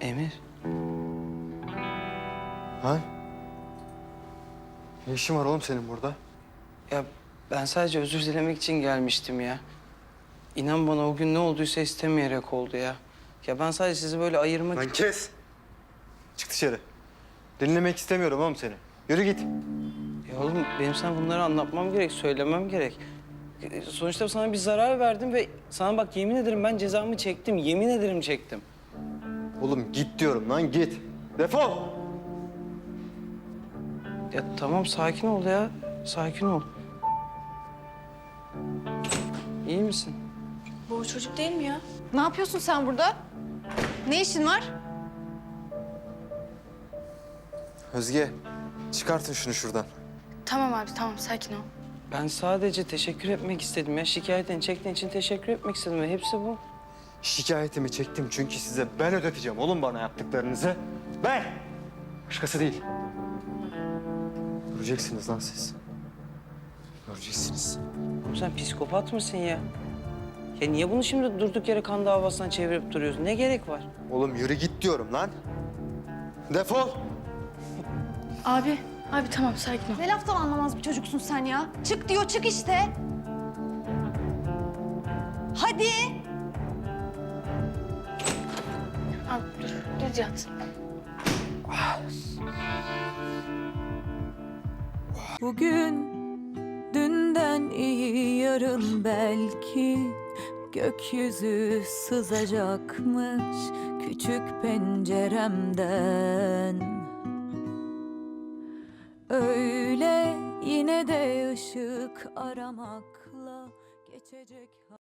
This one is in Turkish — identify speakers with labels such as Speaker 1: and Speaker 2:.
Speaker 1: Emir,
Speaker 2: Ha? Ne işin var oğlum senin burada?
Speaker 1: ya ben sadece özür dilemek için gelmiştim ya. İnan bana o gün ne olduysa istemeyerek oldu ya. Ya ben sadece sizi böyle ayırmak...
Speaker 2: Lan kes! Çık dışarı. Dinlemek istemiyorum oğlum seni. Yürü git.
Speaker 1: Ya oğlum benim sana bunları anlatmam gerek, söylemem gerek. Sonuçta sana bir zarar verdim ve sana bak yemin ederim ben cezamı çektim. Yemin ederim çektim.
Speaker 2: Oğlum git diyorum lan git. Defol!
Speaker 1: Ya tamam sakin ol ya. Sakin ol. İyi misin?
Speaker 3: Bu o çocuk değil mi ya?
Speaker 4: Ne yapıyorsun sen burada? Ne işin var?
Speaker 2: Özge, çıkartın şunu şuradan.
Speaker 3: Tamam abi tamam sakin ol.
Speaker 1: Ben sadece teşekkür etmek istedim ya. Şikayetini çektiğin için teşekkür etmek istedim ve hepsi bu.
Speaker 2: Şikayetimi çektim çünkü size ben ödeteceğim oğlum bana yaptıklarınızı. Ben! Başkası değil. Göreceksiniz lan siz. Göreceksiniz.
Speaker 1: Oğlum sen psikopat mısın ya? Ya niye bunu şimdi durduk yere kan davasından çevirip duruyorsun? Ne gerek var?
Speaker 2: Oğlum yürü git diyorum lan. Defol!
Speaker 3: Abi tamam sakin ol.
Speaker 4: Ne laftan anlamaz bir çocuksun sen ya. Çık diyor, çık işte. Hadi.
Speaker 3: Abi dur yat.
Speaker 5: Bugün dünden iyi yarın belki gökyüzü sızacakmış küçük penceremden. Öyle yine de ışık aramakla geçecek.